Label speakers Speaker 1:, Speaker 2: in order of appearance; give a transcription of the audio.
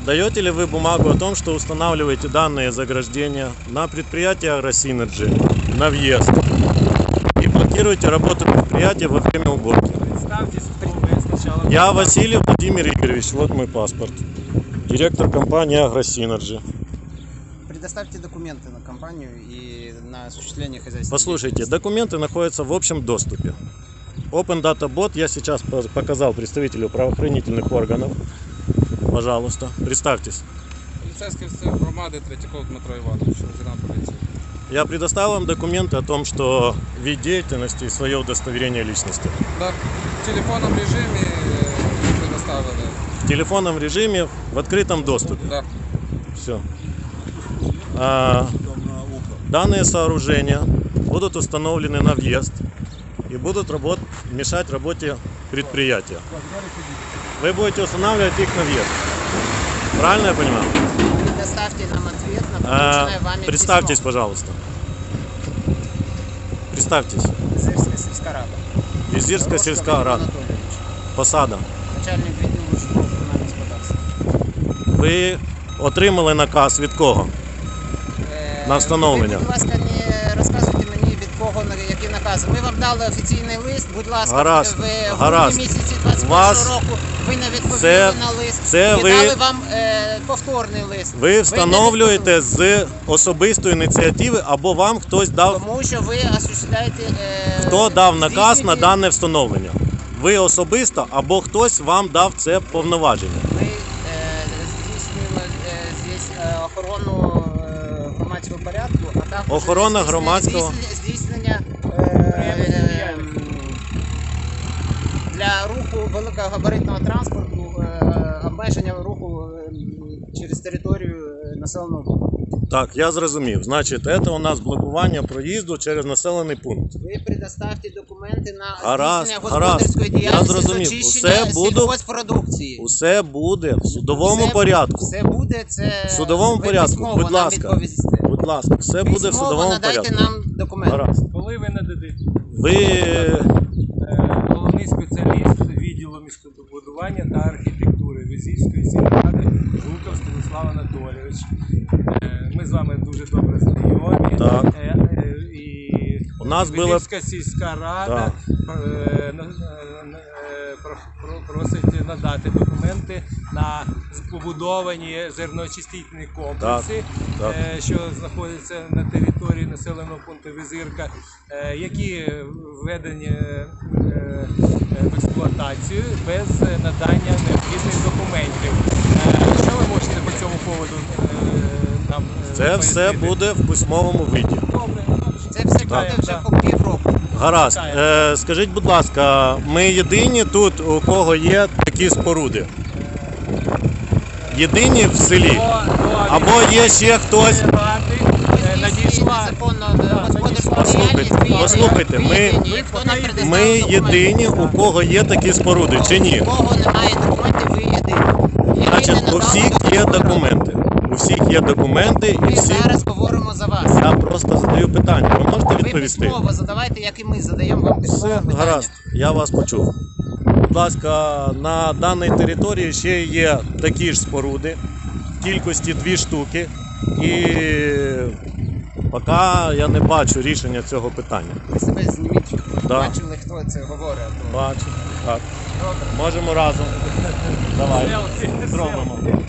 Speaker 1: Даете ли вы бумагу о том, что устанавливаете данные заграждения на предприятие Агросинерджи на въезд и блокируете работу предприятия во время уборки?
Speaker 2: Представьтесь, кто вы сначала.
Speaker 1: Я Василий Владимир Игоревич, вот мой паспорт. Директор компании Агросинерджи.
Speaker 3: Предоставьте документы на компанию и на осуществление хозяйства.
Speaker 1: Послушайте, документы находятся в общем доступе. Open Data Bot я сейчас показал представителю правоохранительных органов. Пожалуйста, представьтесь.
Speaker 2: Поліцейський офіцер громади Третьяков Дмитро Іванович, лейтенант поліції.
Speaker 1: Я предоставил вам документы о том, что вид деятельности и свое удостоверение личности.
Speaker 2: Да, в телефонному режимі предоставили.
Speaker 1: В телефонном режиме, в открытом доступе.
Speaker 2: Да.
Speaker 1: Все. Данные сооружения будут установлены на въезд и будут мешать работе предприятия. Вы будете устанавливать их на въезд. Правильно я понимаю?
Speaker 3: Предоставьте нам ответ на полученное вами
Speaker 1: Представьтесь,
Speaker 3: письмо.
Speaker 1: пожалуйста. Представьтесь.
Speaker 3: Визирская сельская рада.
Speaker 1: Визирская сельская рада.
Speaker 3: Анатольевич,
Speaker 1: Посада.
Speaker 3: начальник відділу житлово-комунального господарства.
Speaker 1: Ви отримали наказ від кого? На встановлення.
Speaker 3: Ви, будь ласка, не розказуйте мені від кого, які накази. Ми вам дали офіційний лист, будь ласка,
Speaker 1: Гаразд,
Speaker 3: в
Speaker 1: гаразд.
Speaker 3: грудні місяці 21
Speaker 1: Вас-
Speaker 3: року ви не відповіли
Speaker 1: Це-
Speaker 3: на лист.
Speaker 1: це
Speaker 3: Ми
Speaker 1: ви-
Speaker 3: дали вам повторний лист.
Speaker 1: Ви
Speaker 3: не
Speaker 1: встановлюєте
Speaker 3: відповіли.
Speaker 1: з особистої ініціативи або вам хтось дав,
Speaker 3: Тому що ви осуществляєте...
Speaker 1: хто дав наказ на
Speaker 3: здійснюєте-
Speaker 1: дане встановлення? Ви особисто або хтось вам дав це повноваження?
Speaker 3: Ми здійснюємо здесь охорону громадського порядку, а також
Speaker 1: Охорона громадського-
Speaker 3: здійснення для руху великогабаритного транспорту, обмеження руху через територію населеного пункту.
Speaker 1: Так, я зрозумів. Значить, це у нас блокування проїзду через населений пункт.
Speaker 3: Ви предоставте документи на
Speaker 1: Гаразд,
Speaker 3: здійснення
Speaker 1: гаразд.
Speaker 3: господарської
Speaker 1: Я
Speaker 3: діяльності з
Speaker 1: зрозумів.
Speaker 3: очищення
Speaker 1: Усе буду-
Speaker 3: сільгосппродукції.
Speaker 1: Усе буде в судовому
Speaker 3: Все-
Speaker 1: порядку.
Speaker 3: Все буде, це
Speaker 1: В судовому
Speaker 3: ви
Speaker 1: порядку,
Speaker 3: письмово
Speaker 1: будь
Speaker 3: нам
Speaker 1: ласка.
Speaker 3: відповісте.
Speaker 1: Будь ласка, все буде в
Speaker 3: Письмово
Speaker 1: судовому
Speaker 3: надайте
Speaker 1: порядку.
Speaker 3: нам документи.
Speaker 1: Гаразд.
Speaker 2: Коли ви нададите?
Speaker 1: Ви
Speaker 2: Головний спеціаліст відділу містобудування та архітектури Визівської сільради Жуков Станіслав Анатолійович. Ми з вами дуже добре знайомі.
Speaker 1: Так.
Speaker 2: І
Speaker 1: У нас була-
Speaker 2: Визівська сільська рада просить надати документи на побудовані зерноочистительні комплекси,
Speaker 1: Так.
Speaker 2: що знаходяться на території населеного пункту Визирка, які введені в експлуатацію без надання необхідних документів. Що ви можете по цьому поводу нам
Speaker 1: це все
Speaker 2: пояснити?
Speaker 1: буде в письмовому виді.
Speaker 2: Добре.
Speaker 3: Це все буде вже
Speaker 2: Так.
Speaker 3: по півроку.
Speaker 1: Гаразд. Скажіть, будь ласка, ми єдині тут, у кого є такі споруди? Єдині в селі? Або є ще хтось?
Speaker 2: Надійшла.
Speaker 1: Послухайте, ми єдині, у кого є такі споруди, чи ні?
Speaker 3: У кого немає документів, ви єдині.
Speaker 1: Значить, у всіх є документи. У всіх є документи і
Speaker 3: Ми
Speaker 1: всі.
Speaker 3: зараз говоримо за вас.
Speaker 1: Я просто задаю питання. Ви можете
Speaker 3: Ви
Speaker 1: відповісти?
Speaker 3: письмово задавайте, як і ми задаємо вам письмове
Speaker 1: Все,
Speaker 3: питання.
Speaker 1: гаразд, я вас почув. Будь ласка, на даній території ще є такі ж споруди, в кількості 2 штуки. І поки я не бачу рішення цього питання.
Speaker 3: Ви себе зніміть,
Speaker 1: Да.
Speaker 3: бачили, хто це говорить. а то-
Speaker 1: Бачу. Так. Можемо разом. Давай. Зробимо.